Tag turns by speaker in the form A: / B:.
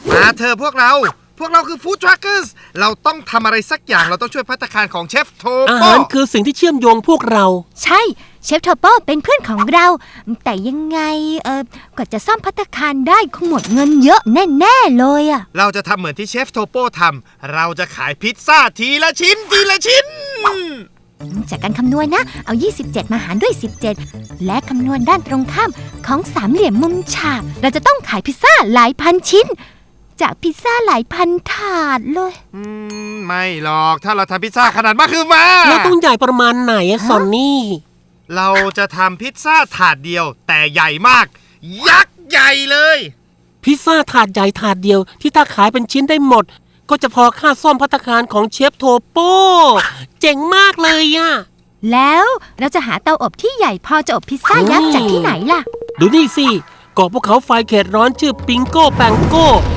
A: มาเธอพวกเราคือฟู้ดทรัคเกอร์สเราต้องทำอะไรสักอย่างเราต้องช่วยภัตตาคารของเชฟโท
B: อา
A: โป้
B: หารคือสิ่งที่เชื่อมโยงพวกเรา
C: ใช่เชฟโทโป้เป็นเพื่อนของเรา แต่ยังไงกว่าจะซ่อมภัตตาคารได้คงหมดเงินเยอะแน่ๆเลยอะ
A: เราจะทำเหมือนที่เชฟโทโป้ทำเราจะขายพิซซ่าทีละชิ้น
C: จากการคำนวณนะเอา27มาหารด้วย17และคำนวณด้านตรงข้ามของสามเหลี่ยมมุมฉากเราจะต้องขายพิซซ่าหลายพันชิ้นจากพิซซ่าหลายพันถาดเลย
A: ไม่หรอกถ้าเราทำพิซซ่าขนาดมากคือมา
B: แล้วต้องใหญ่ประมาณไหนอะซอนนี่
A: เราจะทำพิซซ่าถาดเดียวแต่ใหญ่มาก ยักษ์ใหญ่เลย
B: พิซซ่าถาดใหญ่ถาดเดียวที่ถ้าขายเป็นชิ้นได้หมด ก็จะพอค่าซ่อมภัตตาคารของเชฟโทโป้เจ๋งมากเลยอะ
C: แล้วเราจะหาเตาอบที่ใหญ่พอจะอบพิซซ่ายักษ์จากที่ไหนล่ะ
B: ดูนี่สิเกาะภูเขาไฟเขตร้อนชื่อปิงโก้แปงโก้